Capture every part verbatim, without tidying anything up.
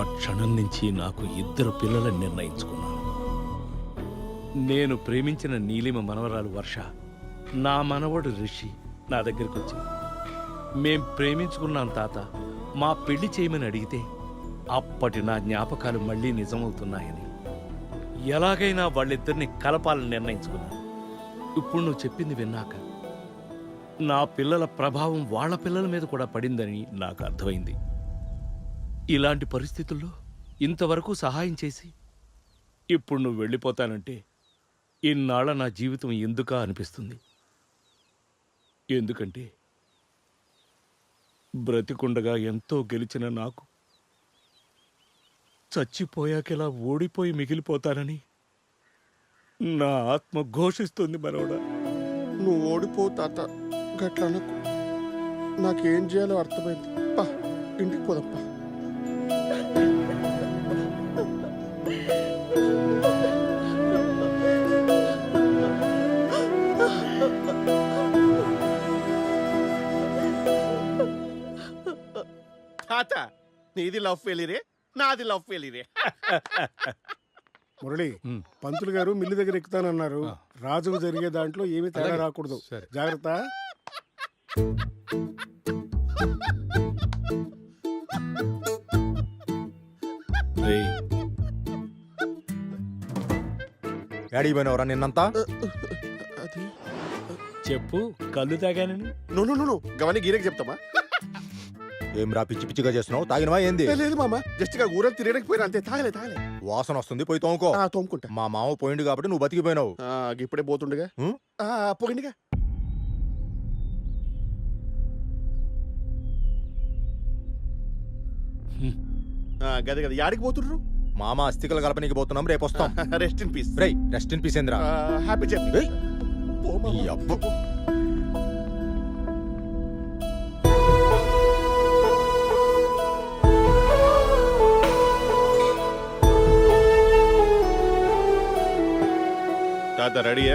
క్షణం నుంచి నాకు ఇద్దరు పిల్లలని నిర్ణయించుకున్నాను. నేను ప్రేమించిన నీలిమ మనవరాలు వర్ష, నా మనవడు రిషి నా దగ్గరికి వచ్చి, మేం ప్రేమించుకున్నాం తాత, మా పెళ్లి చేయమని అడిగితే అప్పటి నా జ్ఞాపకాలు మళ్ళీ నిజమవుతున్నాయని ఎలాగైనా వాళ్ళిద్దరిని కలపాలని నిర్ణయించుకున్నాను. ఇప్పుడు నువ్వు చెప్పింది విన్నాక నా పిల్లల ప్రభావం వాళ్ళ పిల్లల మీద కూడా పడిందని నాకు అర్థమైంది. ఇలాంటి పరిస్థితుల్లో ఇంతవరకు సహాయం చేసి ఇప్పుడు నువ్వు వెళ్ళిపోతానంటే ఇన్నాళ్ళ నా జీవితం ఎందుకా అనిపిస్తుంది. ఎందుకంటే బ్రతికుండగా ఎంతో గెలిచిన నాకు చచ్చిపోయాకెలా ఓడిపోయి మిగిలిపోతానని నా ఆత్మ ఘోషిస్తుంది. మనోడా, నువ్వు ఓడిపో తాత, గట్ల అనకు. నాకేం చేయాలో అర్థమైంది. పా, ఇంటికి పోదప్పా. తాత, నీది లవ్ ఫెయిలీరే, నాది లవ్ ఫెయిలీరే. మురళి, పంతులు గారు మిల్లు దగ్గర ఎక్కుతానన్నారు. రాజుకు జరిగే దాంట్లో ఏమీ తేడా రాకూడదు, జాగ్రత్త. డాడీ పోయినవరా నిన్నంతా? అది చెప్పు, కళ్ళు తాగానని. నో నో నో గవని గీరకి చెప్తామా? ఏం రా పిచ్చి పిచ్చిగా చేస్తున్నావు? తాగినవా ఏంది? లేదు మామ, జస్ట్ గా ఊరలు తిరగడానికి పోయినా అంతే. తాగలే తాగలే. వాసన వస్తుంది, పోయి తోముకో. ఆ, తోముకుంటా. మా మామ పోయిండు కాబట్టి నువ్వు బతికిపోయినావు. ఆ, ఇప్పుడే పోతుండగా ఉం? ఆ, పోయిందిగా. గదే కదా, యాడికి పోతుండ్రు? మామ అస్థికలు కలపనీకి పోతున్నాం, రేపు వస్తాం. Rest in peace. రేయ్, రెస్ట్ ఇన్ పీస్ ఏంద్రా? Happy journey. ఏయ్, ఈ అబ్బ. తాత రెడీయా?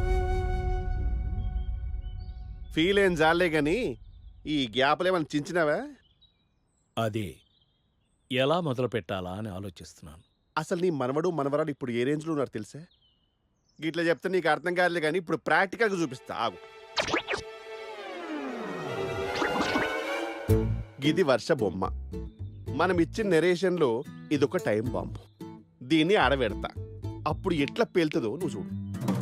ఫీల్ ఏం జాలే గాని ఈ గ్యాప్లు ఏమైనా చించినావా? అదే ఎలా మొదలు పెట్టాలా అని ఆలోచిస్తున్నాను. అసలు నీ మనవడు మనవరాడు ఇప్పుడు ఏ రేంజ్లో ఉన్నారు తెలుసా? గిట్లా చెప్తే నీకు అర్థం కాదులే కానీ ఇప్పుడు ప్రాక్టికల్గా చూపిస్తా, ఆగు. ఇది వర్ష బొమ్మ. మనం ఇచ్చిన నెరేషన్లో ఇదొక టైం బాంబు. దీన్ని ఆడబెడతా, అప్పుడు ఎట్లా పేలుతుందో నువ్వు చూడు.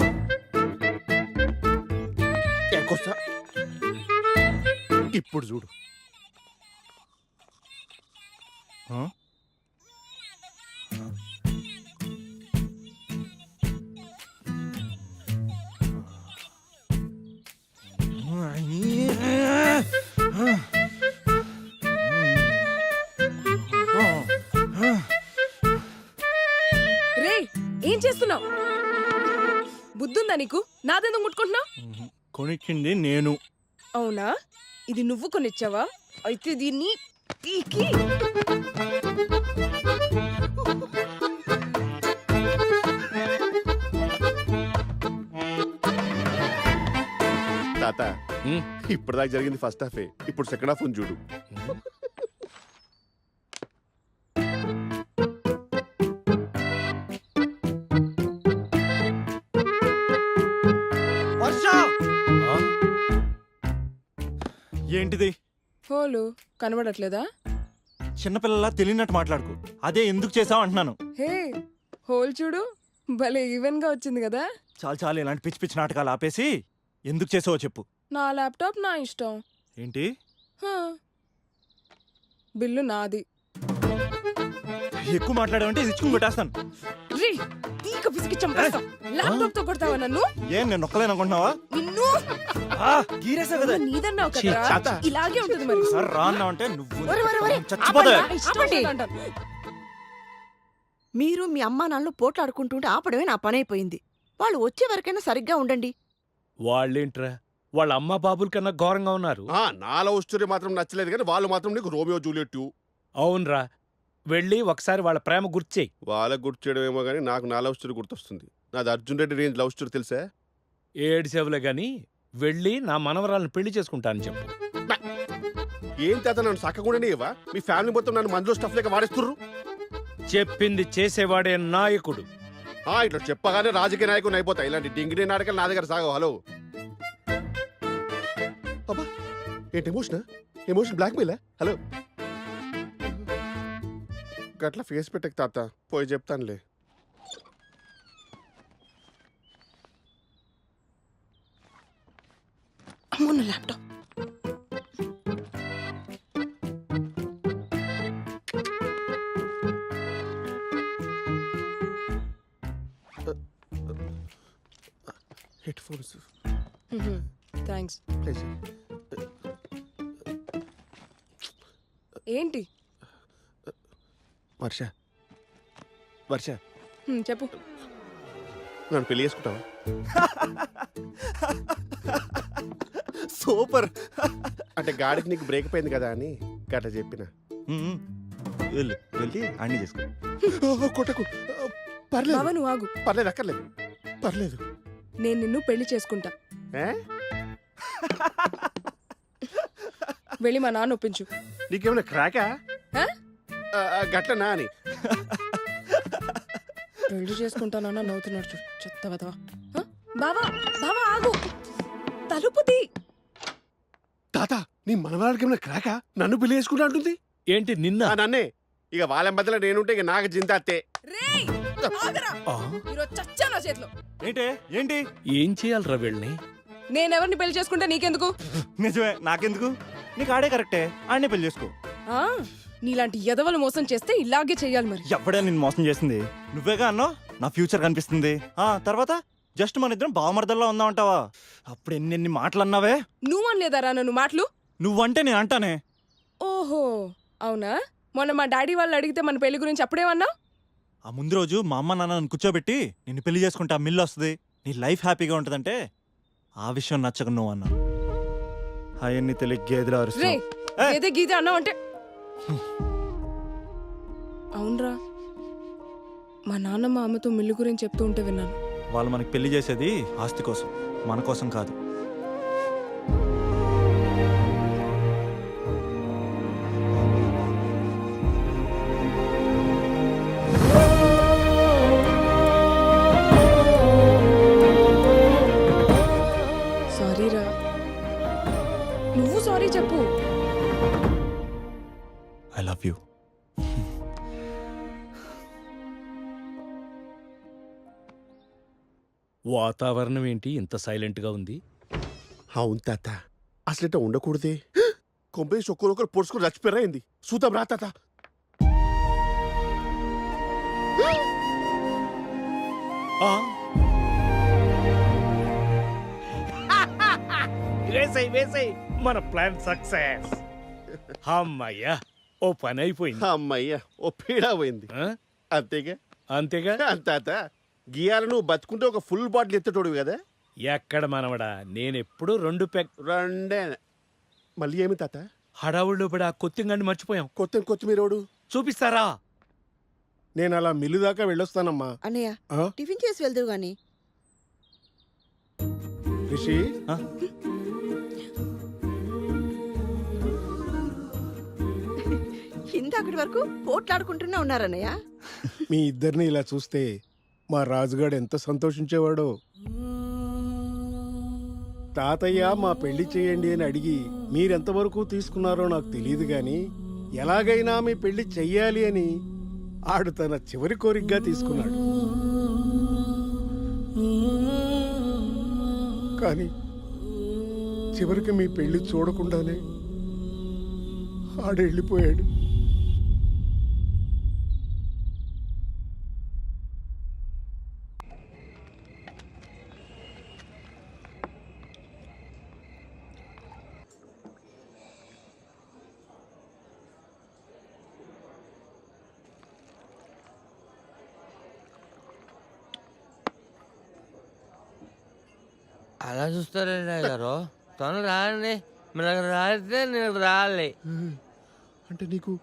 ఎక్కొస్తా, ఇప్పుడు చూడు. రే, ఏం చేస్తున్నావు? బుద్ధుందా నీకు? నాదెందుకు ముట్టుకుంటున్నావు? కొనిచ్చింది నేను. అవునా? ఇది నువ్వు కొనిచ్చావా? అయితే దీన్ని పీకి. తాత, ఇప్పటిదాకా జరిగింది ఫస్ట్ హాఫే, ఇప్పుడు సెకండ్ హాఫ్ చూడు. ఏంటిది? హోలు కనబడట్లేదా? చిన్నపిల్లలా తెలియనట్టు మాట్లాడుకో. అదే ఎందుకు చేసావు అంటున్నాను. హే, హోల్ చూడు, భలే ఈవెన్ గా వచ్చింది కదా. చాలు చాలు, ఇలాంటి పిచ్చి పిచ్చి నాటకాలు ఆపేసి ఎందుకు చేసావో చెప్పు. నా ల్యాప్టాప్ నా ఇష్టం. ఏంటి? హా. బిల్లు నాది. ఎక్కువ మాట్లాడావంటే ఇది ఇచ్చుకుని కొట్టేస్తాను. రీ, తీక పిసికి చంపేస్తా. ల్యాప్టాప్ తో కొడతావా నన్ను? ఏం నేను నొక్కలేను అనుకుంటున్నావా? నిన్ను గీరేసా కదా. నీదన్నావు కదా, ఇలాగే ఉంటుంది మరి. సార్ రా అన్నావంటే నువ్వు ఒరే, ఒరే, ఒరే, చచ్చిపోతావా? ఆపండి, ఇష్టం వచ్చినట్టు అంటాను. మీరు మీ అమ్మా నాన్నలు పోట్లాడుకుంటుంటే ఆపడమే నా పనైపోయింది. వాళ్ళు వచ్చే వరకైనా సరిగ్గా ఉండండి. వాళ్ళేంట్రా, వాళ్ళ అమ్మ బాబుల కన్నా ఘోరంగా ఉన్నారు. ఆ, నా లవ్ స్టోరీ మాత్రం నచ్చలేదు కానీ వాళ్ళు మాత్రం నీకు రోమియో జూలియట్. అవునరా, వెళ్ళి ఒకసారి వాళ్ళ ప్రేమ గుర్చేయి. వాళ్ళకు గుర్తు చేయడం ఏమో కానీ నాకు నా లవ్ స్టోరీ గుర్తొస్తుంది. నాది Arjun Reddy range love story తెలుసా? ఏడు సేవలే గాని వెళ్ళి నా మనవరాలను పెళ్లి చేసుకుంటానని చెప్పు. ఏం తాత, నన్ను సక్కకుండానే ఇవ్వా? మీ ఫ్యామిలీ మొత్తం నన్ను మందులో స్టఫ్ లేక వాడేస్తుర్రు. చెప్పింది చేసేవాడే నాయకుడు. ఆ, ఇట్లా చెప్పగానే రాజకీయ నాయకుని అయిపోతాయి. ఇలాంటి డింగిడి నాటకాలు నా దగ్గర సాగవు. హలో అబ్బా, ఏంటి ఎమోషన్ ఎమోషన్ బ్లాక్మెయిల్. హలో గట్లా ఫేస్ పెట్టక తాత, పోయి చెప్తానులే. అమ్మో నా laptop. Headphones thanks. Please. ఏంటి? వర్ష వర్ష హ్మ్, చెప్పు. నన్ను పెళ్లి చేసుకుంటావా? సూపర్. అంటే గాడికి నీకు బ్రేక్ పోయింది కదా అని గట్లా చెప్పిన. మ్మ్. వెళ్ళు వెళ్ళి అన్ని చేసుకో. కొట్టకు. పర్లేదు బావ నువ్వు ఆగు. పర్లేదు, అక్కర్లేదు, పర్లేదు. నేను నిన్ను పెళ్లి చేసుకుంటా. ఏ? వెళ్ళి మా నాన్న ఒప్పించు. నీకేమైనా క్రాకా? ఆ? ఆ, ఆ, గట్లనా అని. పెళ్లి చేసుకుంటానన్నా నవ్వుతున్నాడు చూడు, చెత్త వదవా. బావా బావా ఆగు, తలుపు తీ. తాత, నీ మనవాడికి ఏమైనా క్రాకా? నన్ను పెళ్లి చేసుకుంటా అంటుంది. ఏంటి నిన్న? ఆ, నన్నే. ఇక వాళ్ళ మధ్యలో నేనుంటే ఇక నాకు జింతాత్తే. రేయ్ ఆగరా, ఈరోజు చచ్చా నా చేతిలో. ఏంటి ఏంటి ఏం చేయాలరా వీళ్ళని? నేనెవరిని పెళ్లి చేసుకుంటా నీకెందుకు? నిజమే, నాకెందుకు? నీకు ఆడే కరెక్టే, ఆడనే పెళ్లి చేసుకో. ఆ నీలాంటి ఎదవలు మోసం చేస్తే ఇలాగే చెయ్యాలి మరి. ఎవడే నిన్ను మోసం చేసింది? నువ్వేగా అన్నావు నా ఫ్యూచర్ కనిపిస్తుంది. ఆ తర్వాత జస్ట్ మన ఇద్దరం బావమర్దల్లా ఉందామంటావా? అప్పుడు ఎన్ని ఎన్ని మాటలు అన్నావే. నువ్వు అనలేదారా నన్ను మాటలు? నువ్వంటే నేను అంటానే. ఓహో అవునా? మొన్న మా డాడీ వాళ్ళు అడిగితే మన పెళ్లి గురించి అప్పుడేమన్నా? ఆ ముందు రోజు మా అమ్మ నాన్న నన్ను కూర్చోబెట్టి నిన్ను పెళ్లి చేసుకుంటే ఆ మిల్లు వస్తుంది, నీ లైఫ్ హ్యాపీగా ఉంటుందంటే ఆ విషయం నచ్చక నువ్వు అన్నా. అవన్నీ తెలియ గేదెలు రే అరుస్తావు. ఏ! ఏదే గీత అన్నావు అంటే. అవునరా, మా నాన్న మా అమ్మతో మిల్లు గురించి చెప్తూ ఉంటే విన్నాను. వాళ్ళు మనకి పెళ్లి చేసేది ఆస్తి కోసం, మన కోసం కాదు. సారీరా, నువ్వు సారీ చెప్పు. I love you. వాతావరణం ఏంటి ఇంత సైలెంట్ గా ఉంది? అవును తాత, అసలు ఇట్లా ఉండకూడదే. కొంపేసి ఒక్కరొకరు పొడుచుకుని చచ్చిపోయింది. చూద్దాం రా తాత. వేసై వేసై మన ప్లాన్ సక్సెస్. అమ్మయ్యా, ఓ పని అయిపోయింది. అమ్మయ్య, ఓ పీడా పోయింది. ఆ? అంతేగా అంతేగా? తాత, గియాల నువ్వు బతుకుంటే ఒక ఫుల్ బాటిల్ ఎత్తటోడు కదా. ఎక్కడ మనవడా, నేనెప్పుడు రెండు పెక్ రెండే. మళ్ళీ ఏమి తాత? హడావుల్లో పడి ఆ కొత్తింగండి మర్చిపోయాం. కొత్త కొత్తిమీరోడు చూపిస్తారా? నేను అలా మిల్లు దాకా వెళ్ళొస్తానమ్మా. అన్నయ్య ఆ? టిఫిన్ చేసి వెళ్దువు గాని. రిషి, ఆ? ఇందాకటి వరకు పోట్లాడుకుంటూనే ఉన్నారన్నయ్య. మీ ఇద్దరిని ఇలా చూస్తే మా రాజుగాడు ఎంత సంతోషించేవాడో. తాతయ్య మా పెళ్లి చేయండి అని అడిగి మీరెంతవరకు తీసుకున్నారో నాకు తెలియదు గాని ఎలాగైనా మీ పెళ్లి చెయ్యాలి అని ఆడు తన చివరి కోరికగా తీసుకున్నాడు. కానీ చివరికి మీ పెళ్లి చూడకుండానే ఆడు వెళ్ళిపోయాడు. అలా చూస్తారండి గారు, తొందర రాండి. మీరు అక్కడ రాస్తే నేను రాలి. అంటే నీకు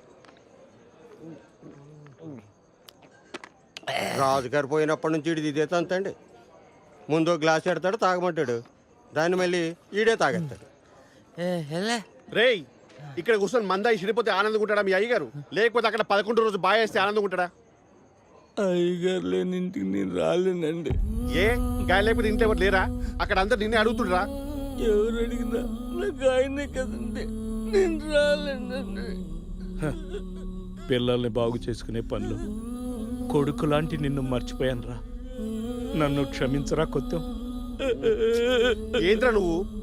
రాజుగారు పోయినప్పటి నుంచి ఈడు ఇదే తంతండి. ముందు గ్లాస్ ఎడతాడు, తాగమంటాడు, దాన్ని మళ్ళీ ఈడే తాగేస్తాడు. ఏ, ఎలా? రేయ్, ఇక్కడ కూర్చొని మందాయి చెడిపోతే ఆనందంగా ఉంటాడా మీ అయ్యగారు? లేకపోతే అక్కడ పదకొండు రోజు బాగా వేస్తే ఆనందంగా ఉంటాడా? అయ్యగారు లేని ఇంటికి నేను రాలేనండి. ఏ గాయ లేకపోతే ఇంట్లో ఎవరు లేరా? అక్కడ అందరు నిన్నే అడుగుతుండ్రా. ఎవరు అడిగినా నాకు ఆయనే కదండి, నేను రాలేనండి. హ, పిల్లల్ని బాగు చేసుకునే పనులు కొడుకు లాంటి నిన్ను మర్చిపోయాను రా. నన్ను క్షమించరా కొత్త. ఏంట్రా నువ్వు